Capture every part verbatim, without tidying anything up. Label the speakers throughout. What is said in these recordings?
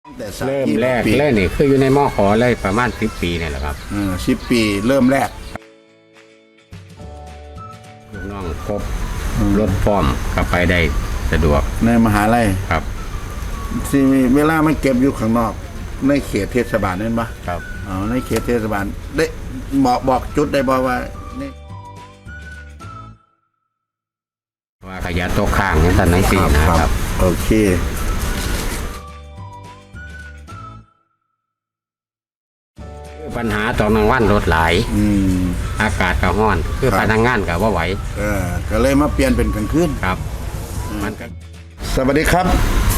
Speaker 1: แต่สาม
Speaker 2: เริ่ม
Speaker 1: ปี
Speaker 2: แรก
Speaker 1: ปี
Speaker 2: เลยนี่คืออยู่ในมอขอเลยประมาณสิบปีเนี่ยแหละครับ
Speaker 1: เออสิบปีเริ่มแรก
Speaker 2: ลูกน้องครบรถฟอร์มก็ไปได้สะดวก
Speaker 1: ในมหาลัย
Speaker 2: ครับ
Speaker 1: ที่มีเวลามันเก็บอยู่ข้างนอก ในเขตเทศบาลนั่นปะ
Speaker 2: ครับ
Speaker 1: อ๋อในเขตเทศบาลได้บอกบอกจุดได้บอกว่านี่
Speaker 2: ว่าขยะตกค้างอย่างนั้นนั่นสินะครับ
Speaker 1: โอเค
Speaker 2: ปัญหาตอนกลางวันรถหลาย
Speaker 1: อืม
Speaker 2: อากาศก็ร้อน คือ
Speaker 1: ครับ
Speaker 2: พนักงานก็ว่าไหว
Speaker 1: เออก็เลยมาเปลี่ยนเป็นกลางคืน
Speaker 2: ครับ มันก็
Speaker 1: สวัสดีครับ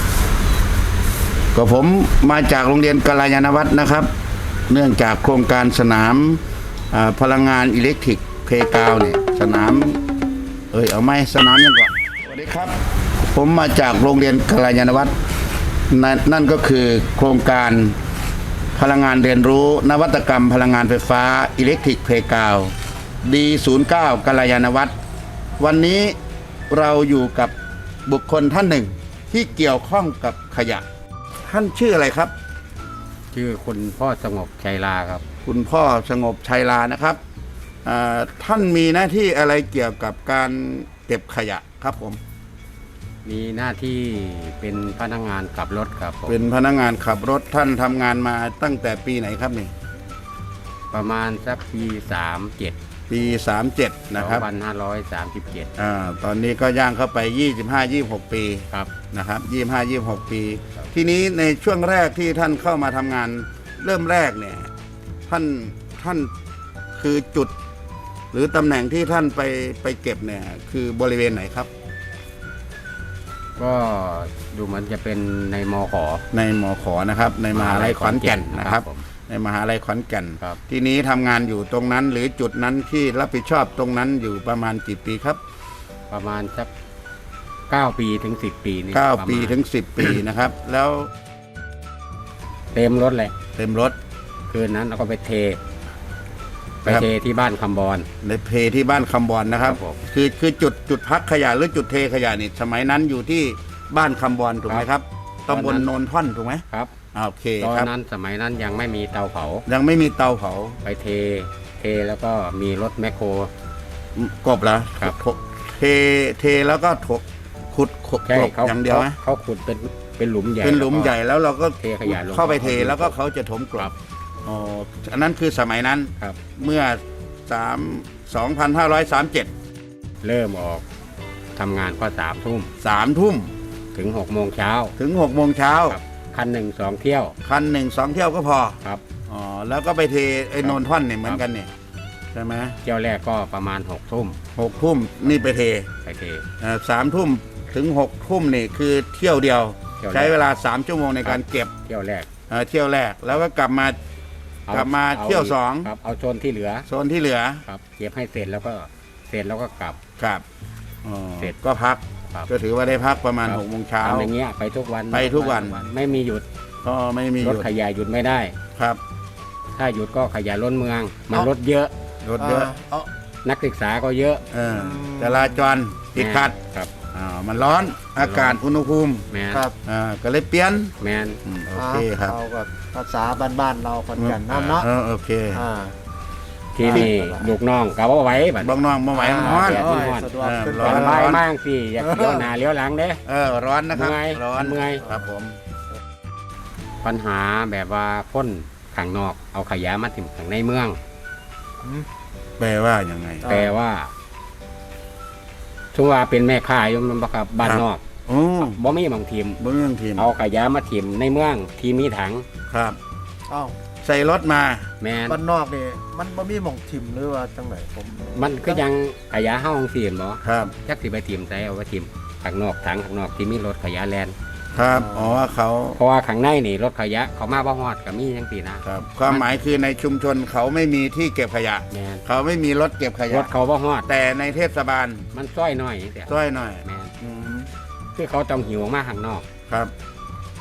Speaker 1: ก็ผมมาจากโรงเรียนกัลยาณวัฒน์นะครับ เนื่องจากโครงการสนามอ่าพลังงานอิเล็กทริกเพกาวเนี่ยสนาม เอ้ยเอาไหมสนามยังก่อนสวัสดีครับ ผมมาจากโรงเรียนกัลยาณวัฒน์นั่นนั่นก็คือโครงการพลังงานเรียนรู้นวัตกรรมพลังงานไฟฟ้าอิเล็กทริกเพกาว ดี ศูนย์ เก้า กัลยาณวัฒน์วันนี้เราอยู่กับบุคคลท่านหนึ่งที่เกี่ยวข้องกับขยะ ท่านชื่ออะไรครับ
Speaker 2: ชื่อคุณพ่อสงบชัยลาครับ
Speaker 1: คุณพ่อสงบชัยลานะครับอ่าท่านมีหน้าที่อะไรเกี่ยวกับการเก็บขยะครับผม
Speaker 2: มีหน้าที่เป็นพนักงานขับรถครับผม
Speaker 1: เป็นพนักงานขับรถท่านทำงานมาตั้งแต่ปีไหนครับนี่
Speaker 2: ประมาณสักปีสามเจ็ด
Speaker 1: ปีสามเจ็ดนะ
Speaker 2: สอ
Speaker 1: ครับ
Speaker 2: งพันห้าร้อยสามสิบเจ็ด
Speaker 1: อ่าตอนนี้ก็ย่างเข้าไปยี่สิบห้า ยี่สิบหกปี
Speaker 2: ครับ
Speaker 1: นะครับยี่สิบห้า ยี่สิบหกปี
Speaker 2: ครับ
Speaker 1: ทีนี้ในช่วงแรกที่ท่านเข้ามาทำงานเริ่มแรกเนี่ยท่านท่านคือจุด หรือตำแหน่งที่ท่านไปไปเก็บเนี่ยคือบริเวณไหนครับ
Speaker 2: ก็ดูเหมือนจะเป็นในมอขอ
Speaker 1: ในมขนะครับ ในมหาลัยขอนแก่นนะครับ
Speaker 2: ผม
Speaker 1: ในมหาลัยขอนแก่น
Speaker 2: ครับ
Speaker 1: ทีนี้ทำงานอยู่ตรงนั้นหรือจุดนั้นที่รับผิดชอบตรงนั้นอยู่ประมาณกี่ปีครับ
Speaker 2: ประมาณสักเก้าปีถึงสิบปีนี่
Speaker 1: เก้า
Speaker 2: ระมณ
Speaker 1: ปีถึงสิบปีนะครับ แล้ว
Speaker 2: เต็มรถเลย
Speaker 1: เต็มรถ
Speaker 2: คืนนั้นเราก็ไปเท ไป
Speaker 1: ครับ
Speaker 2: เทที่บ้านคำบอล
Speaker 1: ในเพที่บ้านคำบอลนะครับ
Speaker 2: ครับผม
Speaker 1: คือคือจุดจุดพักขยะหรือจุดเทขยะนี่สมัยนั้นอยู่ที่บ้านคำบอลถูกไหมครับตำบลโนนท่อนถูกไหม
Speaker 2: ครับ
Speaker 1: อ่าโอเค
Speaker 2: ตอน
Speaker 1: ครับ
Speaker 2: นั้นสมัยนั้นยังไม่มีเตาเผา
Speaker 1: ยังไม่มีเตาเผา
Speaker 2: ไปเท เทแล้วก็มีรถแมคโคร
Speaker 1: กบแล้ว
Speaker 2: ครับ
Speaker 1: เทเทแล้วก็ถกขุดขุด
Speaker 2: ใช่
Speaker 1: กบ
Speaker 2: เขา
Speaker 1: อย่างเดียวไหม
Speaker 2: เขาขุดเป็นเป็นหลุมใหญ่
Speaker 1: เป็นหลุม
Speaker 2: แวก็
Speaker 1: ใหญ่แล้วเราก็
Speaker 2: เทขยะลง
Speaker 1: เข้าไปเท
Speaker 2: เข้าไป
Speaker 1: แล้วก็เขาจะถมกล
Speaker 2: ครับ บ
Speaker 1: อ๋ออันนั้นคือสมัยนั้น
Speaker 2: ครับ
Speaker 1: เมื่อสามสองพันห้าร้อยสามเจ็ด
Speaker 2: เริ่มออกทำงานก็สามทุ่ม
Speaker 1: สามทุ่ม
Speaker 2: ถึงหกโมงเช้า
Speaker 1: ถึงหกโมงเช้า
Speaker 2: ครับคันหนึ่งสองเที่ยว
Speaker 1: คันหนึ่งสองเที่ยวก็พอ
Speaker 2: ครับ
Speaker 1: อ๋อแล้วก็ไปเทไอ้
Speaker 2: ครับ
Speaker 1: โนนท่อนเนี่ยเหมือนกันเนี่ยใช่ไหม
Speaker 2: เที่ยวแรกก็ประมาณหกทุ่ม
Speaker 1: หกทุ่มนี่ไปเท
Speaker 2: ไปเท
Speaker 1: เอ่อสามทุ่มถึงหกทุ่มนี่คือเที่ยวเดียว
Speaker 2: เที่ยวแรก
Speaker 1: ใช้เวลาสามชั่วโมงในการเก็บ
Speaker 2: เที่ยวแรก
Speaker 1: เอ่อเที่ยวแรกแล้วก็กลับมา
Speaker 2: อก
Speaker 1: ลับมาเที่ยวสอง
Speaker 2: ครับเอาโซนที่เหลือ
Speaker 1: โซนที่เหลือ
Speaker 2: ครับเก็บให้เสร็จแล้วก็เสร็จแล้วก็กลับ
Speaker 1: ครับอ๋อ
Speaker 2: เสร็จ
Speaker 1: ก็พัก
Speaker 2: ครับ
Speaker 1: ก็ถือว่าได้พักประมาณ
Speaker 2: ครับ
Speaker 1: หกโมงเช้า
Speaker 2: ทำอย่างเงี้ยไปทุกวัน
Speaker 1: ไปทุกวัน
Speaker 2: ไม่มีหยุด
Speaker 1: ก็ไม่มีห
Speaker 2: รถ
Speaker 1: ยุด
Speaker 2: ขยะหยุดไม่ได้
Speaker 1: ครับ
Speaker 2: ถ้าหยุดก็ขยะล้นเมือง มัน
Speaker 1: เอ้า
Speaker 2: รถเยอะ
Speaker 1: รถเยอะ
Speaker 3: เอ้า
Speaker 2: นักศึกษาก็เยอะ
Speaker 1: เออจราจรติดขัด
Speaker 2: ครับ
Speaker 1: อ่ามันร้อนอากาศอุณหภูมิ
Speaker 2: แมน
Speaker 3: ครับ
Speaker 1: อ่าก็เลยเปลี่ยน
Speaker 2: แมน
Speaker 1: อืมโอเคครับ
Speaker 3: เอาแบบภาษาบ้านๆเราคนกันน้ำเนาะ
Speaker 1: เออโอเค
Speaker 3: อ่า
Speaker 2: ที่นี่
Speaker 3: อ่า
Speaker 2: ลูกน้องก็บ่ไหว้บัด
Speaker 1: บอกน้องมาไหวมันร้อน
Speaker 2: แดด
Speaker 3: โอ้ย
Speaker 2: ร้อน
Speaker 3: สะดวก
Speaker 1: เออ
Speaker 3: ขึ้น
Speaker 1: ร้
Speaker 2: ต
Speaker 1: อ
Speaker 2: อน นบ่ายมากสิอยากเลี้ยวหน้าเลี้ยวหลังเด้
Speaker 1: เออร้อนนะครับ
Speaker 2: เมื่อย
Speaker 1: ร้อน
Speaker 2: เมื่อย
Speaker 1: ครับผม
Speaker 2: ปัญหาแบบว่าพ่นข้างนอกเอาขยะมาถิ่มข้างในเมือง
Speaker 1: แปลว่ายังไง
Speaker 3: อ่า
Speaker 2: แต่ว่าช่วงว่าเป็นแม่ค้าอยู่มันบ่ครับบ้านนอก
Speaker 1: โอ้
Speaker 2: บ่มีบางทีม
Speaker 1: เบื้องทีม
Speaker 2: เอาขยะมาถิ่มในเมืองที่มีถัง
Speaker 1: ครับ
Speaker 3: เอ้า
Speaker 1: ใส่รถมา
Speaker 2: แมน
Speaker 3: บ้านนอกนี่มันบ่มีหม่องทิมหรือว่าจังไหนผม
Speaker 2: มันก็ยังขยะเฮาของสิบ่
Speaker 1: ครับ
Speaker 2: จักสิไปถิ่มใส่เอาไปถิ่มข้างนอกถังข้างนอกที่มีรถขยะแลน
Speaker 1: ครับอ๋อเขา
Speaker 2: เพราะว่าข้างในนี่รถขยะเขามาบ่ฮอดก็มีจังซี่นะครับ
Speaker 1: ความหมายคือในชุมชนเขาไม่มีที่เก็บขยะ
Speaker 2: แมน
Speaker 1: เขาไม่มีรถเก็บข
Speaker 2: ร
Speaker 1: ยะ
Speaker 2: ถเขาบ่ฮอด
Speaker 1: แต่ในเทศบาล
Speaker 2: มันซ้อยน้อยจังซี่
Speaker 1: ช่วยหน่อย
Speaker 2: แมน
Speaker 1: อืม
Speaker 2: คือเขาต้องหิวออกมาข้างนอก
Speaker 1: ครับ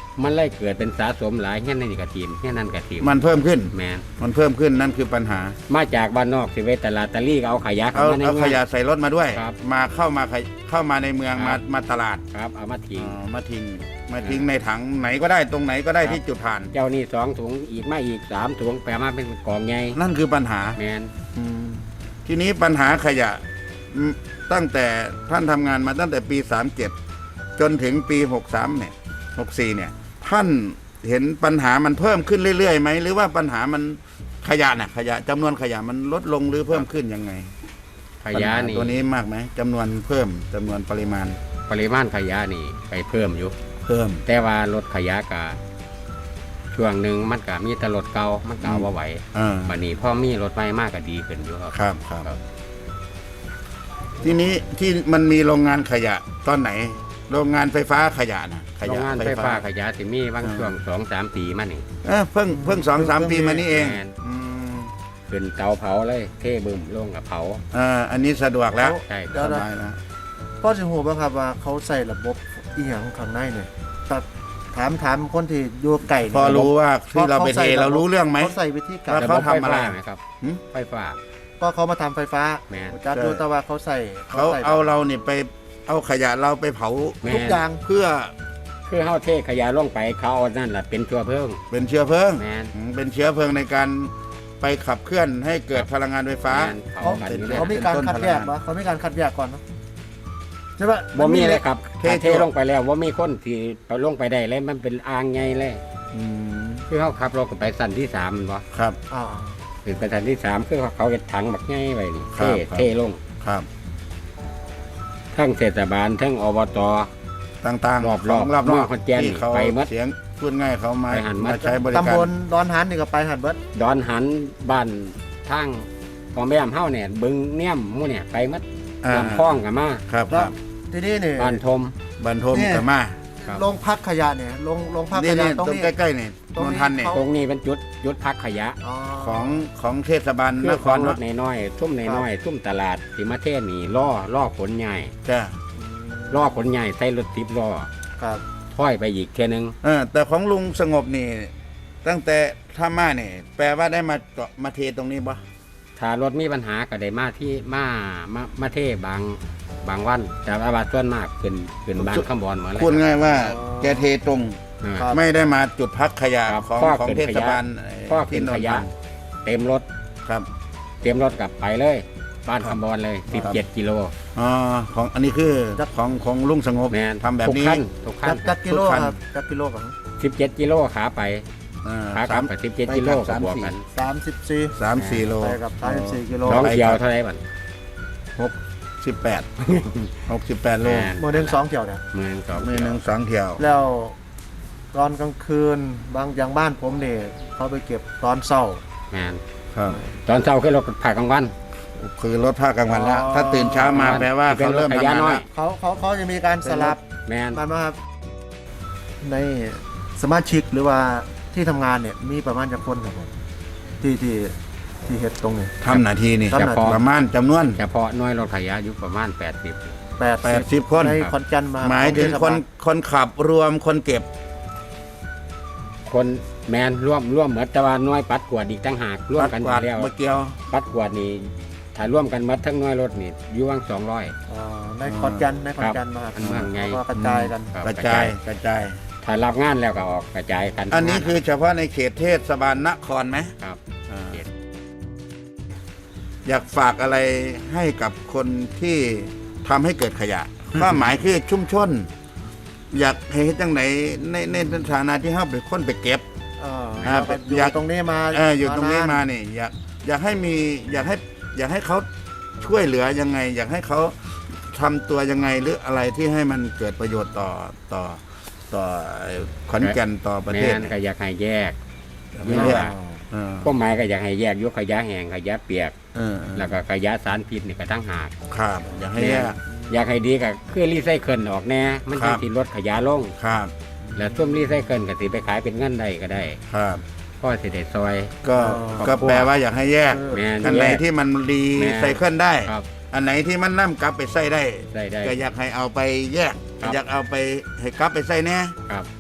Speaker 2: มันเลยเกิดเป็นสะสมหลายเงี้ยนั่นกะทีมเงี้ยนั่นกะทีม
Speaker 1: มันเพิ่มขึ้น
Speaker 2: แมน
Speaker 1: มันเพิ่มขึ้นนั่นคือปัญหา
Speaker 2: มาจากบ้านนอกสิเวตลาดตะลี่ก็เอาขยะเข้า
Speaker 1: เอา
Speaker 2: มาใน
Speaker 1: เอา
Speaker 2: เมื
Speaker 1: ข
Speaker 2: อง
Speaker 1: ยะใส่รถมาด้วย
Speaker 2: ครับ
Speaker 1: มาเข้ามาขยเข้ามาในเมือง
Speaker 2: ครั
Speaker 1: มา
Speaker 2: บ
Speaker 1: มาตลาด
Speaker 2: ครับเอามาทิ้ง
Speaker 1: อ๋อมาทิ้งมาทิ้งในถังไหนก็ได้ตรงไหนก็ได้
Speaker 2: ครับ
Speaker 1: ที่จุดผ่าน
Speaker 2: เจ้านี่สองถุงอีกมาอีกสามถุงแปลมาเป็นกองใหญ่
Speaker 1: นั่นคือปัญหา
Speaker 2: แมน
Speaker 1: ทีนี้ปัญหาขยะอืมตั้งแต่ท่านทำงานมาตั้งแต่ปีสามเจ็ดจนถึงปีหกสามเนี่ยหกสี่เนี่ยท่านเห็นปัญหามันเพิ่มขึ้นเรื่อยๆไหมหรือว่าปัญหามันขยะน่ะขยะจำนวนขยะมันลดลงหรือเพิ่มขึ้นยังไง
Speaker 2: ขยะ
Speaker 1: ปัญหา
Speaker 2: นี่
Speaker 1: ตัวนี้มากไหมจำนวนเพิ่มจำนวนปริมาณ
Speaker 2: ปริมาณขยะนี่ไปเพิ่มอยู่
Speaker 1: เพิ่ม
Speaker 2: แต่ว่ารถขยะกะช่วงหนึ่งมันก็มีแต่รถเก่ามันก็เอาบ่ไหว
Speaker 1: อ่า
Speaker 2: บัดนี้พ่อมีรถใหม่มากก็ดีขึ้นอยู่ครับ
Speaker 1: ครับครับ
Speaker 2: ครับ
Speaker 1: ทีนี้ที่มันมีโรงงานขยะตอนไหน โรงงานไฟฟ้าขยะนะข
Speaker 2: โรง
Speaker 1: ยะ
Speaker 2: งานไฟฟ้าขยะที่มีบาง
Speaker 1: อ่า
Speaker 2: ช่วงสองสามปีมานี่
Speaker 1: เอ้อเพิ่งเพิ่งสองสามปีมานี้เอง
Speaker 2: แม่น
Speaker 1: อืม
Speaker 2: ขึ้นเตาเผาเลยเทบึมลงกับเผา
Speaker 1: อ่าอันนี้สะดวกแล้ว
Speaker 2: ใช่
Speaker 3: เดี๋ยว
Speaker 1: ส
Speaker 3: นะ
Speaker 1: บายแล้ว
Speaker 3: พ่อจะหูบ้างครับว่าเขาใส่ระบบอีหยังข้างในเนี่ยแต่ถามถามคนที่อยู่ไก่
Speaker 1: พอรู้ว่าที่เราไปเทเรารู้เรื่องไหม
Speaker 3: เขาใส่วิธีการ
Speaker 1: แล้วเขาทำอะไร
Speaker 2: ฟฟ้ไหมครับ
Speaker 1: หึ
Speaker 2: ไฟฟ้า
Speaker 3: ก็เขามาทำไฟฟ้า
Speaker 2: แม่น
Speaker 3: จัดดูแต่ว่าเขาใส่
Speaker 1: เขา
Speaker 3: ใส่
Speaker 1: เอาเราเนี่ยไปเอาขยะเราไปเผา
Speaker 2: แม่
Speaker 3: ทุกอย่าง
Speaker 1: เพื่อ
Speaker 2: คือเฮาเทขยะลงไปเขาเอานั่นแหละเป็นตัวเพิ่ม
Speaker 1: เป็นเชื้อเพลิง
Speaker 2: แม่น
Speaker 1: อืมเป็นเชื้อเพลิงในการไปขับเคลื่อนให้เกิดพลังงานไฟฟ้า
Speaker 2: แม่นเผา
Speaker 3: เขา
Speaker 2: กันอยู่
Speaker 1: ป็
Speaker 2: แล้ว
Speaker 3: เขามีการ
Speaker 1: เป็นต้น
Speaker 3: คัดแยก
Speaker 1: พลังงาน
Speaker 3: วะเขามีการคัดแยกก่อนเนอะใช่ปะ
Speaker 2: บ่มีเลยครับ
Speaker 1: เท
Speaker 2: ถ้าเทลงไปแล้วว่ามีคนที่เอาลงไปได้เลยมันเป็นอ่างใหญ่เลย
Speaker 1: อืม
Speaker 2: คือเขาขับรถกันไปสั้นที่สามแม่นบ่
Speaker 1: ครับ
Speaker 3: อ่า
Speaker 2: ถึงไปสั้นที่สามคือเขาเห็ดถังบักใหญ่ไว้นี่
Speaker 1: ครั
Speaker 2: เท
Speaker 1: บครับ
Speaker 2: เทลง
Speaker 1: ครับ
Speaker 2: ทั้งเทศบาลทั้งอบต
Speaker 1: ต่างๆ
Speaker 2: รอบๆ
Speaker 1: ของรอบน
Speaker 2: เมื
Speaker 1: อ
Speaker 2: อก งขอนแก่น
Speaker 1: ที่เขา
Speaker 2: ไปหมด
Speaker 1: เสียงพูดง่ายเขามา
Speaker 2: ไปหันหมด
Speaker 1: มาใช้บริการ
Speaker 3: ตำบลดอนหันนี่ก็ไปหันเบิด
Speaker 2: ดอนหันบ้านทางของแม่มเฮาเนี่ยบึงเนี่ยมหมู่เนี่ยไปหมัด
Speaker 1: อ่า
Speaker 2: ลำคลองกับมา
Speaker 1: ครับค
Speaker 3: แล้ว
Speaker 1: รับ
Speaker 3: ทีนี้เนี่ย
Speaker 2: บ้านทม
Speaker 1: บันทม
Speaker 3: เนี่ย
Speaker 1: กับมา
Speaker 2: ครับ
Speaker 3: โรงพักขยะเนี่ยโรงโรงพัก
Speaker 1: นี่
Speaker 3: ขยะ
Speaker 1: นี่
Speaker 3: ตรง
Speaker 1: ตรง
Speaker 3: นี้
Speaker 1: ใกล้ๆนี่
Speaker 3: ตรง
Speaker 1: น
Speaker 3: นี้
Speaker 1: นทันเนี่ย
Speaker 3: เขา
Speaker 2: ตรงนี้เป็นจุดจุดพักขยะ
Speaker 3: อ๋อ
Speaker 1: ของของเทศบาล
Speaker 2: คื
Speaker 1: น
Speaker 2: อ
Speaker 1: ค
Speaker 2: ของ
Speaker 1: ร
Speaker 2: ร
Speaker 1: เนาะ
Speaker 2: ถน้อยๆทุ่มน้อยๆทุ่มตลาดสิมาเทศนี่ล่อล่อขนใหญ่
Speaker 1: จ้ะ
Speaker 2: ล่อขนใหญ่ใส่รถทิพย์ล่อ
Speaker 3: ครับ
Speaker 2: ถ้อยไปอีกเท่ยนึง
Speaker 1: เออแต่ของลุงสงบนี่ ตั้งแต่ท่ามาเนี่ยแปลว่าได้มาเกาะมาเทตรงนี้ปะ
Speaker 2: ถ้ารถมีปัญหาก็ได้มาที่มามามาเทบางบางวัน แต่ว่าบาส่วนมากขึ้นขึ้นบางข้ามบอลหมดเลย
Speaker 1: พูดง่ายว่าแกเทตรง
Speaker 2: อ่า
Speaker 3: ครับ
Speaker 1: ไม่ได้มาจุดพักขยะ
Speaker 2: ครับ
Speaker 1: ของ
Speaker 2: พ่อ
Speaker 1: ของ
Speaker 2: ขึ้น
Speaker 1: เทศบาล
Speaker 2: ขยะ พ่อขึ้นขยะ เต็มรถ
Speaker 1: ครับ
Speaker 2: เต็มรถกลับไปเลย บ้านคำบอลเลย
Speaker 1: ครับ
Speaker 2: 17 กิโล
Speaker 1: อ๋อของอันนี้คือของของลุงสงบ
Speaker 2: แมน
Speaker 1: ทำแบบ
Speaker 2: ทุก
Speaker 1: นี้
Speaker 2: ขั้นทุกขั้
Speaker 3: จั
Speaker 2: น
Speaker 3: กจักกิโล
Speaker 1: ทุกคัน
Speaker 3: ครับจักกิโลครับ
Speaker 2: 17 กิโลขาไป
Speaker 1: อ่า
Speaker 2: ขาก
Speaker 1: สา
Speaker 2: ลับ
Speaker 1: ม
Speaker 2: ไป17 กิโล
Speaker 1: ไปกลั
Speaker 2: ก็
Speaker 1: บบ
Speaker 2: วกกัน
Speaker 3: สามสิบสี่
Speaker 1: สามสี่โล
Speaker 3: ไปกับสามสิบสี่กิโล
Speaker 2: สองเที่ยวเท่าไหร่บัด
Speaker 1: หกสิบแปดหกสิบแปดโล
Speaker 2: แม่น
Speaker 3: โมเดลสองเที่ยวเนี่ย
Speaker 2: เมืองสอง
Speaker 1: มือ
Speaker 2: เที่
Speaker 1: ห
Speaker 2: ย
Speaker 1: นึ่
Speaker 2: ว
Speaker 1: งสองเที่ยว
Speaker 3: แล้วตอนกลางคืนบางอย่างบ้านผมเนี่ยเขาไปเก็บตอนเช้า
Speaker 2: แมน
Speaker 1: ครับ
Speaker 2: ตอนเช้าขึ้นรถผ่ากลางวัน
Speaker 1: คือรถภาคกลางวันแล้ว
Speaker 3: อ๋อ
Speaker 1: ถ้าตื่นเช้ามาแปลว่าเขาเริ่ม
Speaker 2: เป็นรถข
Speaker 1: ทำ
Speaker 2: ยะ
Speaker 1: งาน
Speaker 2: น้อย
Speaker 1: แล้ว
Speaker 3: เขาเขาเขาจะมีการสลับ
Speaker 2: แมน
Speaker 3: มันมาครับ ในสมาชิกหรือว่าที่ทำงานเนี่ยมีประมาณจะคนครับผมที่ที่ที่เฮ็ดตรงนี้
Speaker 1: ทำหน้าที่นี่
Speaker 3: ทำหน้าที่
Speaker 1: ประมาณจำนวน
Speaker 2: เฉพาะหน้อยรถขยะอยู่ประมาณ 80
Speaker 3: แปด
Speaker 1: แปดสิบคน
Speaker 3: ในคอนแกนมา
Speaker 1: หมายถึง
Speaker 3: ของ
Speaker 1: คน
Speaker 3: เทศบาล
Speaker 1: คนขับรวมคนเก็บ
Speaker 2: คนแมนร่วมร่วมเหมือนแต่ว่าหน้อยปัดกวาดอีกตั้งหากร่วม
Speaker 1: ปัด
Speaker 2: กัน
Speaker 1: กวาด
Speaker 2: แล้ว
Speaker 1: เมื่อเกี่ยว
Speaker 2: ปัดกวาดนี่ถ้าร่วมกันหมัดทั้งหน้อยรถนี่อยู่ว่างสองร้อย
Speaker 3: อ่าในคอนแกนในคอนแกนมาครับ
Speaker 2: อันเมืองไง
Speaker 3: แล้วก็กระจายกัน
Speaker 2: ครับ
Speaker 1: กระจายกระจาย
Speaker 2: ถ้ารับงานแล้วก็ออกกระจายกัน
Speaker 1: อันนี้คือเฉพาะในเขตเทศบาลนครไหม
Speaker 2: ครับ
Speaker 1: อ่า
Speaker 2: เขต
Speaker 1: อยากฝากอะไรให้กับคนที่ทำให้เกิดขยะ ก็หมายคือชุมชน อยากให้เฮ็ดจังไหนในในฐานะที่เฮาเป็นคนไปเก็บ
Speaker 3: เอ่อ
Speaker 1: อ่า
Speaker 3: แล้วก็อยู่
Speaker 1: อยาก
Speaker 3: ตรงนี้มา
Speaker 1: เอออยู่ตรงนี้
Speaker 3: น
Speaker 1: มานี่อยากอยากให้มีอยากให้อยากให้เขาช่วยเหลือยังไง อยากให้เขาทำตัวยังไงหรืออะไรที่ให้มันเกิดประโยชน์ต่อต่อต่อขอนแก่นต่อประ
Speaker 2: แม
Speaker 1: เทศ
Speaker 2: น
Speaker 1: เนี่ย
Speaker 2: ก็อยากให้แยก
Speaker 1: ไม่แยก เออ
Speaker 2: ก็หมายก็อยากให้แยกยกขยะแห้งขยะเปียก
Speaker 1: เออ
Speaker 2: แล้วก็ขยะสารพิษนี่ก็ตั้งหาก
Speaker 1: ครับ อยากให้แยก
Speaker 2: อยากให้ดีก็คือรีไซเคิลออกแน่มัน
Speaker 1: ครั
Speaker 2: จะ
Speaker 1: บ
Speaker 2: สิลดขยะลง
Speaker 1: ครับ
Speaker 2: แล้วช่วงรีไซเคิลก็สิไปขายเป็นเงินได้ก็ได้
Speaker 1: ครับ
Speaker 2: พ่อสิได้ซอย
Speaker 1: ก็
Speaker 2: ครอบครัว
Speaker 1: ก็แปลว่าอยากให้แยก
Speaker 2: แมน
Speaker 1: อันไหน
Speaker 2: แยก
Speaker 1: ที่มันรี
Speaker 2: แม่
Speaker 1: ไซเคิลได้
Speaker 2: ครับ
Speaker 1: อันไหนที่มันนํกลับไปใส่ได้
Speaker 2: ได้ได้
Speaker 1: ก็อยากให้เอาไปแยก
Speaker 2: ครับ
Speaker 1: อยากเอาไปให้กลับไปใส่แน่
Speaker 2: ครับ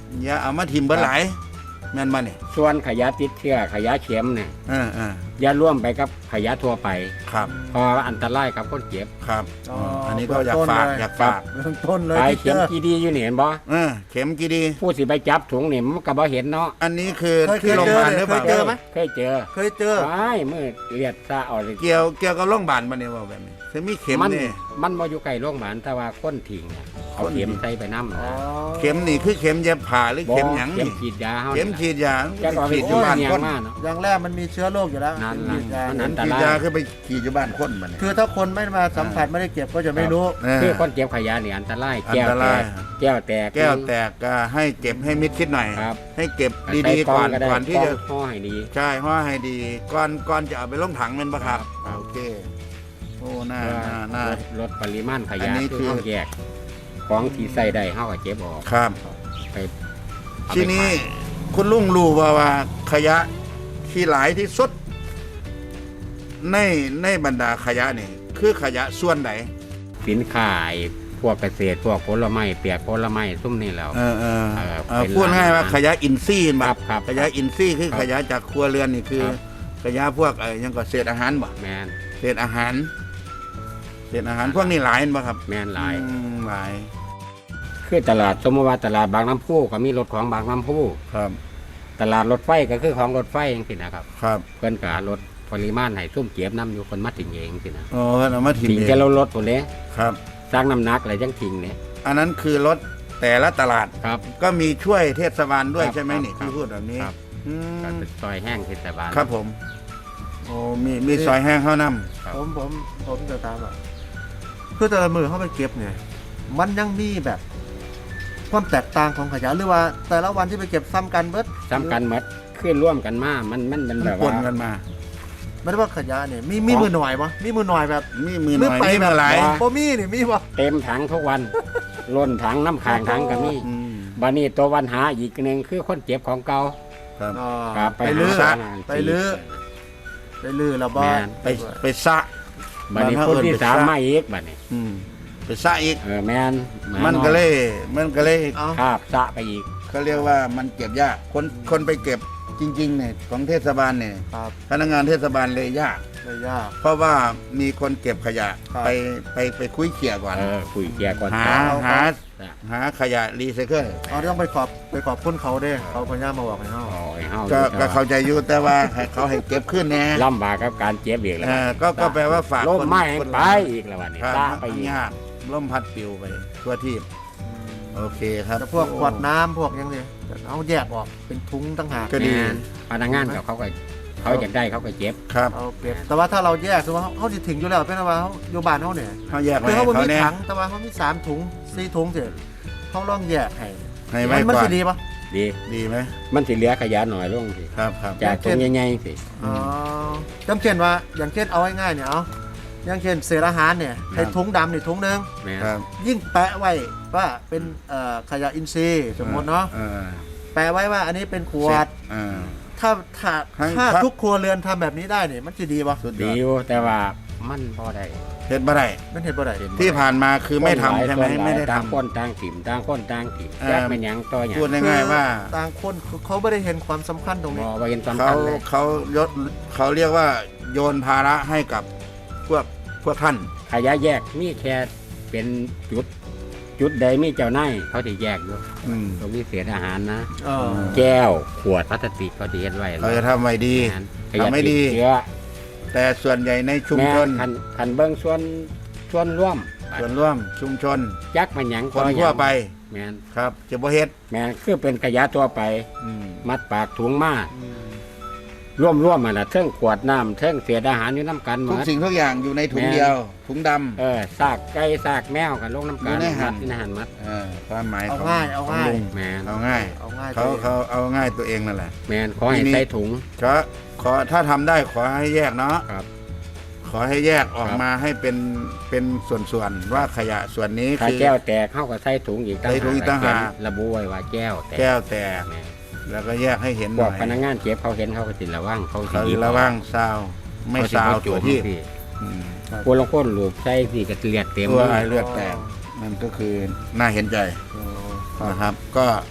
Speaker 1: อย่าเอามาทิ่มเบิดหลายแม่นบ่นี่
Speaker 2: ส่วนขยะติดเชื้อขยะเข็มเนี่ย
Speaker 1: เออเออ
Speaker 2: อย่าร่วมไปกับขยะทั่วไป
Speaker 1: ครับ
Speaker 2: เพออันตรายกับคนเจ็บ
Speaker 1: ครับ
Speaker 3: อ๋อ
Speaker 1: อันนี้ก็อยากฝาก
Speaker 3: เบื้องต้นเลย
Speaker 1: อยากฝาก
Speaker 3: เบื้องต้นเลย
Speaker 2: ไป
Speaker 3: ที่เจ
Speaker 2: เข็ม
Speaker 3: อ
Speaker 2: กีดีอยู่นี่เห็นบ่
Speaker 1: เออเข็มกี่ดี
Speaker 2: ผู้สิไปจับถุงนี่มันก็บ่เห็นเนาะ
Speaker 1: อันนี้คือ
Speaker 3: เคย
Speaker 1: ที่โรงพยาบาลหรือเปล่า
Speaker 3: เคยเจอไหม
Speaker 2: เคยเจอ
Speaker 3: เคยเจอ
Speaker 2: ไอ้มือเลียดซะออกเลย
Speaker 1: เกี่ยวเกี่ยวกับโรงพยาบาลบ่เนี่ยว่าแบบนี้คือมีเข็ม
Speaker 2: มัน
Speaker 1: นี่
Speaker 2: มันบ่อยู่ใกล้โรงพยาบาลแต่ว่าคนทิ้งน่ะเอาเข็มใส่ไปนำ
Speaker 3: อ๋อ
Speaker 1: เข็มนี่คือเข็มเย็บผ่าหรือเข็มหยัง
Speaker 2: เข็ม
Speaker 1: นี่
Speaker 2: ฉีดยาเฮา
Speaker 1: เข็ม
Speaker 2: นี่
Speaker 1: ฉีดยา
Speaker 2: จะก็ไป
Speaker 1: ฉีดอ
Speaker 2: โอ้
Speaker 1: ยู่
Speaker 2: ย
Speaker 1: บ้าน
Speaker 2: เนีย
Speaker 1: ค
Speaker 2: ง
Speaker 1: น
Speaker 2: มากเนาะ
Speaker 3: อย่างแรกมันมีเชื้อโรคอยู่แล้ว
Speaker 2: นั่น
Speaker 3: ฉีดยา
Speaker 2: มัน
Speaker 1: เข็
Speaker 2: อั
Speaker 1: ม
Speaker 2: นต
Speaker 1: ฉีด
Speaker 2: ราย
Speaker 1: ยาคือไปฉีดอยู่บ้านคนบ่เนี่ย
Speaker 3: คือถ้าคนไม่มาสัมผัสไม่ได้เก็บก็จะไม่รู้
Speaker 1: เออ
Speaker 2: คือคนเจ็บขยะนี่อันตราย
Speaker 1: อัน
Speaker 2: แก้ว
Speaker 1: ต
Speaker 2: แต
Speaker 1: ราย
Speaker 2: กแก้วแตก
Speaker 1: แก้วแตกก็ให้เก็บให้มิดชิดหน่อย
Speaker 2: ครับ
Speaker 1: ให้เก็บ
Speaker 2: ใส่
Speaker 1: ดีๆก่อน
Speaker 2: ล้งได้
Speaker 1: ก่อนที่จะ
Speaker 2: กล้องห่อให้ดี
Speaker 1: ใช่ห่อให้ดีก่อนก่อนจะเอาไปลงถังแม่นบ่ครับ
Speaker 2: ครับ
Speaker 1: โอเคโอ้น่า
Speaker 2: เพื่อ
Speaker 1: น่าน่า
Speaker 2: ลดลดปริมาณข
Speaker 1: อั
Speaker 2: ยะ
Speaker 1: นนี้
Speaker 2: คือ
Speaker 1: คือ
Speaker 2: เฮาแยกของที่ใส่ได้เฮาก็เก็บออก
Speaker 1: ครับ
Speaker 2: ไปเอาไป
Speaker 1: ทีนี้
Speaker 2: ขาย
Speaker 1: คุณลุงรู้ว่าว่าขยะที่หลายที่สุด ในในบรรดาขยะนี่คือขยะส่วนไหน
Speaker 2: สินค้าไอ้พวกเกษตรพวกผลไม้เปียกผลไม้ซุ่มนี่แล้ว
Speaker 1: เออเออ
Speaker 2: เออ
Speaker 1: เออ
Speaker 2: เป็น
Speaker 1: พูดง่ายว่า
Speaker 2: ร้าน
Speaker 1: ขยะอินทรีย์
Speaker 2: ค
Speaker 1: แบ
Speaker 2: รับบ ครับ
Speaker 1: ขยะอินทรีย์คือ
Speaker 2: ครับ
Speaker 1: ขยะจากครัวเรือนนี่คือ
Speaker 2: ครับ
Speaker 1: ขยะพวกไอ้หยังก็เศษอาหารบ่
Speaker 2: แมน
Speaker 1: เศษอาหารเศษอาหารพวกนี้หลายเห็นบ่ครับ
Speaker 2: แมนหลาย
Speaker 1: อืมหลาย
Speaker 2: คือตลาดสมมติว่าตลาดบางน้ำพุก็มีรถของบางน้ำพุ
Speaker 1: ครับ
Speaker 2: ตลาดรถไฟก็คือของรถไฟเองสินะครับ
Speaker 1: ครับ
Speaker 2: เพิ่นก็ลดปริมาณให้ซุ่มเก็บน้ำอยู่คนมาถึงเองสินะ
Speaker 1: โอ้เอามาถิ่ม
Speaker 2: ทิ้ง
Speaker 1: เอง
Speaker 2: แค่เราลดตัวนี้
Speaker 1: ครับ
Speaker 2: สร้างน้ำหนักอะไรจังทิ้งเนี่ย
Speaker 1: อันนั้นคือรถแต่ละตลาด
Speaker 2: ครับ
Speaker 1: ก็มีช่วยเทศบาลด้วย
Speaker 2: ครับ
Speaker 1: ใช่ไหมนี่
Speaker 2: ครับ
Speaker 1: ที่พูดแบบนี้
Speaker 2: ครับ
Speaker 1: อืม
Speaker 2: ก็เป็นซอยแห้งเทศบาล
Speaker 1: ครับผม โอ้มีมีซอยแห้งข้าวน้
Speaker 2: ครับ
Speaker 3: ผมผมผมจะตามอ่ะคือแต่ละมือเข้าไปเก็บเนี่ย มันยังมีแบบ ความแตกต่างของขยะหรือว่า แต่ละวันที่ไปเก็บซ้ำกันเบิด
Speaker 2: ซ้ำกันหมดขึ้นร่วมกันมา มันมันเป็น
Speaker 1: ำ
Speaker 2: แบ
Speaker 1: มัน
Speaker 2: บ
Speaker 1: ป
Speaker 2: ว่าน
Speaker 1: กันมา
Speaker 3: ไม่ได้ว่าขยะเนี่ยมีมีมือหน่อยปะมีมือหน่อยแบบ
Speaker 1: มีมือหน่อย
Speaker 3: ไป
Speaker 1: มี
Speaker 3: แบ
Speaker 1: มื
Speaker 3: บ
Speaker 1: อหลาย
Speaker 3: โบมีนี่มีปะ
Speaker 2: เต็มถังทุกวัน ล้นถังน้ำค้างถังก็มี
Speaker 1: อืม
Speaker 2: บานี้ตัววันหาอีกหนึ่งคือคนเจ็บของเก่า
Speaker 1: ครับ
Speaker 3: อ๋อ
Speaker 2: ครับ
Speaker 3: ไปลื้อ
Speaker 2: หา
Speaker 3: ไปลื้อไปลื้อแล้วบ่
Speaker 2: แม่น
Speaker 1: ไปไปซะ
Speaker 2: บานี้
Speaker 1: บ้าน
Speaker 2: คน
Speaker 1: เฮา
Speaker 2: ที่
Speaker 1: เอิ้นไป
Speaker 2: สาม
Speaker 1: ซะ
Speaker 2: มาอีกบานี้
Speaker 1: อืมไปซะอีก
Speaker 2: เออแมนแ
Speaker 1: มันก็เลย มันก็เลย
Speaker 3: เอา
Speaker 2: คาบสะไปอีก
Speaker 1: เขาเรียกว่ามันเก็บยาก คนคนไปเก็บจริงๆเนี่ยของเทศบาลเนี่ย
Speaker 3: ครับ
Speaker 1: พนักงานเทศบาลเลยยาก
Speaker 3: ไม่ยาก
Speaker 1: เพราะว่ามีคนเก็บขยะ
Speaker 3: ครับ
Speaker 1: ไปไปไปคุยเขี่ยก่อน
Speaker 2: เออคุยเคลียร์ก่อน
Speaker 1: หา
Speaker 2: จ้า
Speaker 1: หา
Speaker 2: จ้ะ
Speaker 1: หาขยะรีไซเคิล
Speaker 3: เราต้องไปขอบไปขอบคุณเขาเด้เขาพยายามมาบอกให้เขา
Speaker 2: โอ้ยเฮา
Speaker 1: ก็
Speaker 2: อยู่
Speaker 1: ก็เข้าใจอยู่แต่ว่าให้เขาให้เก็บขึ้นแน่
Speaker 2: ลำบากกับการเจ็บอีกแล้ว
Speaker 1: เออก็ก็แปลว่าฝาก
Speaker 2: ล้ม
Speaker 1: คน
Speaker 2: ไม้
Speaker 1: คน
Speaker 2: ไปอีกแล้ววันนี้
Speaker 1: ครับ
Speaker 2: สะไปอีก
Speaker 1: ยากล่มพัดปิวไปทั่วที่โอเคครับ
Speaker 3: แต่พวกขวดน้ำพวกยังเนี่ยเอาแยกออกเป็นถุงต่างหาก
Speaker 1: ก็ดี
Speaker 2: แม่นพนักงานกับเขาก็เขาอยากได้เขาก็เจ็บ
Speaker 1: ครับ
Speaker 3: เอาเก็บแต่ว่าถ้าเราแยกสมมติว่าเขาสิถึงอยู่แล้วเป็นว่าเขาอยู่บ้านเขาเนี่ย
Speaker 1: เขาแยกไว้
Speaker 3: คือ
Speaker 1: ให้
Speaker 3: เขาบ่
Speaker 1: เขา
Speaker 3: มี
Speaker 1: แน่
Speaker 3: ถังแต่ว่าเขามีสามถุงสี่ถุงเสร็จเขาลองแยกให้
Speaker 1: ให้ไว้
Speaker 3: มัน
Speaker 1: ก่อ
Speaker 3: สิ
Speaker 1: น
Speaker 3: ดีปะ
Speaker 2: ดี
Speaker 1: ดีไหม
Speaker 2: มันสิเหลือขยะหน่อยลงสิ
Speaker 1: ครับครับ
Speaker 2: จากตรงใหญ่ๆสิ
Speaker 3: อ๋อจำเช่นว่าอย่างเช่นเอาง่ายๆเนี่ยเอาอย่างเช่นเศษอาหารเนี่ยให้ถุงดำนี่ถุงหนึง
Speaker 2: แม่น
Speaker 1: ครับ
Speaker 3: ยิ่งแปะไว้ว่าเป็นเอ่อขยะอินทรีย์สมมติเนาะ
Speaker 1: ออ
Speaker 3: แปะไว้ว่าอันนี้เป็นขวด
Speaker 1: เออ
Speaker 3: ถ้าถ้า
Speaker 1: ทั้ง
Speaker 3: ถ้า
Speaker 1: ครับ
Speaker 3: ทุกครัวเรือนทำแบบนี้ได้เนี่ยมันจะดีปะ
Speaker 1: สุดย
Speaker 2: ดี
Speaker 1: อด
Speaker 2: อยู่แต่ว่ามันพอได้
Speaker 1: เฮ็ดบ่ได้
Speaker 3: มันเห็นบ่ได้
Speaker 1: ที่ผ่านมาคือไม่ทำใช่ไหม
Speaker 2: คนลาย
Speaker 1: ไม่ได้
Speaker 2: ต่าง
Speaker 1: ทำ
Speaker 2: คนต่างถิ่มต่างคนต่างถิ่ม
Speaker 1: เอ่อ
Speaker 2: แยกเป็นหยังต่อหยัง
Speaker 1: พูดง่ายๆว่า
Speaker 3: ต่างคนเขาไม่ได้เห็นความสำคัญตรง
Speaker 2: บ
Speaker 3: นี้
Speaker 2: อว่าเห็นสำ
Speaker 1: เขา
Speaker 2: คัญเลย
Speaker 1: เขายศเขาเรียกว่าโยนภาระให้กับพวกพวกท่าน
Speaker 2: ขยะแยกมีแค่เป็นจุด จุดใดมีเจ้านายเขาจะแยกอยู่
Speaker 1: อืม
Speaker 2: ตรงนี้เศษอาหารนะ
Speaker 3: เออ
Speaker 2: แก้วขวดพลาสติกเขาจะเฮ็ดไว้
Speaker 1: เขาจะทำไว้ดี
Speaker 2: ขยะ
Speaker 1: ทำไม่ดี
Speaker 2: ติดเชื้อ
Speaker 1: แต่ส่วนใหญ่ในชุม
Speaker 2: แม่
Speaker 1: ชน
Speaker 2: คันคันเบิ้งส่วนส่วนร่วม
Speaker 1: ส่วนร่วมชุมชน
Speaker 2: ยักมันหยัง
Speaker 1: คน
Speaker 2: ต่อหยัง
Speaker 1: ทั่วไป
Speaker 2: แม่น
Speaker 1: ครับจะบ่เฮ็ด
Speaker 2: แม่นคือเป็นขยะตัวไป
Speaker 1: อืม
Speaker 2: มัดปากถุงมาร่วมร่วมมันน่ะเทิงขวดน้ำเทิงเศษอาหารอยู่น้ำกันหม
Speaker 1: ทุก
Speaker 2: ด
Speaker 1: สิ่งทุกอย่างอยู่ในถุง
Speaker 2: แม่น
Speaker 1: เดียว ถุงดำ
Speaker 2: เออซากไก่ซากแมวกันลงน้ำกัน
Speaker 1: อยู่ในหั่น
Speaker 2: มัดในหันมัด
Speaker 1: เออความหมาย
Speaker 3: เอา
Speaker 1: ของ
Speaker 3: ง่ายเอา
Speaker 1: ของ
Speaker 3: ง่าย
Speaker 1: ลุง
Speaker 2: แมน
Speaker 1: เอาง่าย
Speaker 3: เอาง่าย
Speaker 1: เขาเขาเอาง่ายตัวเองนั่นแหละ
Speaker 2: แมนขอให้
Speaker 1: ทีนี้
Speaker 2: ใส่ถุง
Speaker 1: ขอขอถ้าทำได้ขอให้แยกเนาะ
Speaker 2: ครับ
Speaker 1: ขอให้แยกออก
Speaker 2: ครับ
Speaker 1: มาให้เป็นเป็นส่วนๆว่าขยะส่วนนี้
Speaker 2: ถ้า
Speaker 1: คือ
Speaker 2: แก้วแตกเข้ากับใส่ถุงอีก
Speaker 1: ใส่ถุงอีกต่างหาก
Speaker 2: เขียนระบุไว้ว่าแก้วแตก
Speaker 1: แก้วแตก
Speaker 2: แม่น
Speaker 1: แล้วก็แยกให้เห็น
Speaker 2: พ
Speaker 1: ห
Speaker 2: ว
Speaker 1: น่
Speaker 2: ก
Speaker 1: อย
Speaker 2: พนักงานเก็บเขาเห็นเขาก็สิระวังเขาสิ
Speaker 1: เขา
Speaker 2: หยิบ
Speaker 1: ระวังซาวไม่
Speaker 2: เขสิ
Speaker 1: ซาว
Speaker 2: บ่โจ
Speaker 1: ตัว
Speaker 2: ม
Speaker 1: ที่
Speaker 2: สิ
Speaker 1: อืม
Speaker 2: พวกลางคนหลูบใส่สิกระเลียดเต็ม
Speaker 1: ตัว
Speaker 2: มือ
Speaker 1: ไอเลือดแตกมันก็คือน่าเห็นใจ
Speaker 3: เออ
Speaker 1: นะครับ ก็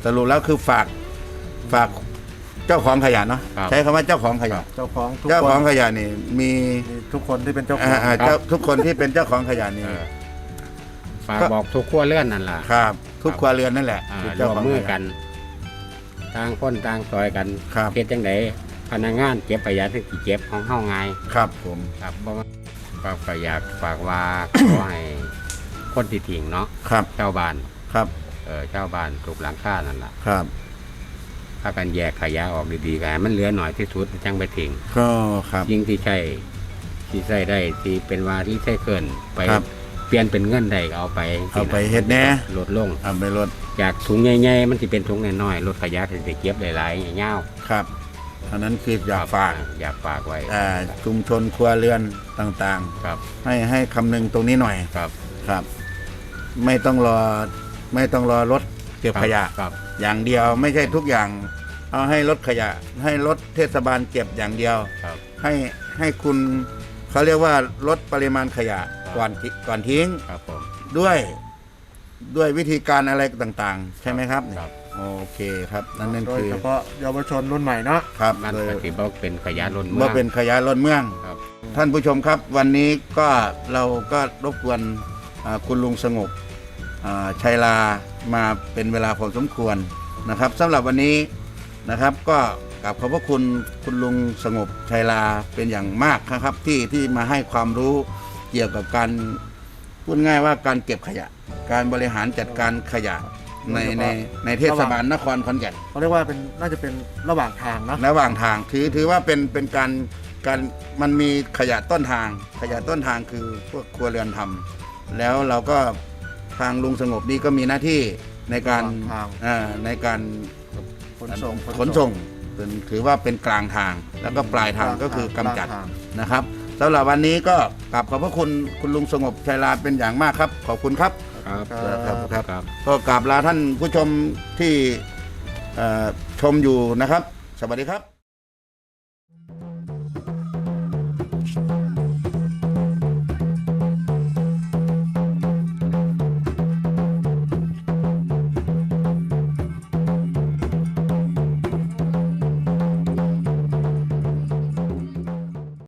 Speaker 1: สรุปแล้วคือฝากฝากเจ้าของขยะเนาะ
Speaker 2: ครับ
Speaker 1: ใช้คำว่าเจ้าของขยะ
Speaker 3: เจ้าของทุก
Speaker 1: เจ้า
Speaker 3: ค
Speaker 1: ของ
Speaker 3: น
Speaker 1: ขยะนี่มี
Speaker 3: มีทุกคนที่เป็นเจ้าของ
Speaker 1: อ่าอ่าเจ้าทุกคนที่เป็นเจ้าของขยะนี่
Speaker 2: เออฝากบอกทุกขั้วเลื่อนนั่นล่ะ
Speaker 1: ครับ ทุกครัวเรือนนั่นแหละ
Speaker 2: อ่า
Speaker 1: คือ
Speaker 2: ร่
Speaker 1: เจ้าว
Speaker 2: ม
Speaker 1: ของ
Speaker 2: มือ
Speaker 1: ขยะ
Speaker 2: กันต่างคนต่างซอยกัน
Speaker 1: ครับ
Speaker 2: เฮ็ดจังไดพนักงานเก็บขยะที่สิเก็บของเฮาง่าย
Speaker 1: ครับผม
Speaker 2: ครับเพราะว่าฝากก็อยากฝากว่า ขอให้คนที่ทิ้งเนาะ
Speaker 1: ครับ
Speaker 2: เจ้าบ้าน
Speaker 1: ครับ
Speaker 2: เออเจ้าบ้านถูกหลังคานั่นล่ะ
Speaker 1: ครับ
Speaker 2: ถ้ากันแยกขยะออกดีๆกันให้มันเหลือหน่อยที่สุดจังไปทิ้ง
Speaker 1: ก็ครับ
Speaker 2: ยิ่งที่ใช่ที่ใช้ได้ที่เป็นว่าที่ใช้เกินไป
Speaker 1: ครับ
Speaker 2: เปลี่ยนเป็นเงินได้ก็เอาไป
Speaker 1: เอาไปเฮ็ดแหน่
Speaker 2: ลดลง
Speaker 1: เอาไปลด
Speaker 2: จากถุงใหญ่ๆมันสิเป็นถุงน้อยๆลดขยะสิเก็บได้หลายๆยาว
Speaker 1: ครับอันนั้นคืออยากฝาก
Speaker 2: อยากฝากไว้
Speaker 1: อ่าชุมชนครัวเรือนต่าง
Speaker 2: ครับ
Speaker 1: ๆ ให้ให้คำนึงตรงนี้หน่อย
Speaker 2: ครับ
Speaker 1: ครับ ไม่ต้องรอไม่ต้องรอรถเก็บขยะ
Speaker 2: ครับ
Speaker 1: อย่างเดียวไม่ใช่ทุกอย่าง เอาให้รถขยะ ให้รถเทศบาลเก็บอย่างเดียว
Speaker 2: ครับ
Speaker 1: ให้ให้คุณเขาเรียกว่าลดปริมาณขยะ
Speaker 2: ครับ
Speaker 1: ก่อนทิก่อนทิ้ง
Speaker 2: ครับผม
Speaker 1: ด้วยด้วยวิธีการอะไรต่างๆ ใช่ไหมครับ
Speaker 2: ครับ
Speaker 1: โอเคครับ นั่นนั่น
Speaker 3: โดย
Speaker 1: คือ
Speaker 3: เฉพาะเยาวชนรุ่นใหม่เนาะ
Speaker 1: ครับ
Speaker 2: มัน
Speaker 1: โดย
Speaker 2: ก็สิบ่เป็นขยะล้นเมื
Speaker 1: เมื่
Speaker 2: อ
Speaker 1: อง เป็นขยะล้นเมือง
Speaker 2: ครับ
Speaker 1: ท่านผู้ชมครับ วันนี้ก็เราก็รบกวนอ่าคุณลุงสงบอ่าชัยลามาเป็นเวลาพอสมควรนะครับสำหรับวันนี้นะครับ ก็กราบขอบพระคุณคุณลุงสงบชัยลาเป็นอย่างมากนะครับ ที่ที่มาให้ความรู้เกี่ยวกับการพูดง่ายว่าการเก็บขยะ การบริหารจัดการขยะในในในเทศบาลนครขอนแก่น
Speaker 3: เขาเรียกว่าเป็นน่าจะเป็นระหว่างทางเนาะ
Speaker 1: ระหว่างทางถือถือว่าเป็นเป็นการการมันมีขยะต้นทาง ขยะต้นทางคือพวกครัวเรือนทำแล้วเราก็ทางลุงสงบนี่ก็มีหน้าที่ในการอ่าในการ
Speaker 3: ขนส่ง
Speaker 1: ขนส่งเป็นถือว่าเป็นกลางทาง แล้วก็ปลายทางก็คือกำจัด
Speaker 3: กลางทาง
Speaker 1: นะครับสำหรับวันนี้ก็กราบขอบพระคุณคุณลุงสงบชัยลาเป็นอย่างมากครับ ขอบคุณครับ
Speaker 2: ครับ
Speaker 1: ครับครับ
Speaker 2: ครับ
Speaker 1: ก็กราบลาท่านผู้ชมที่เอ่อชมอยู่นะครับ สวัสดีครับ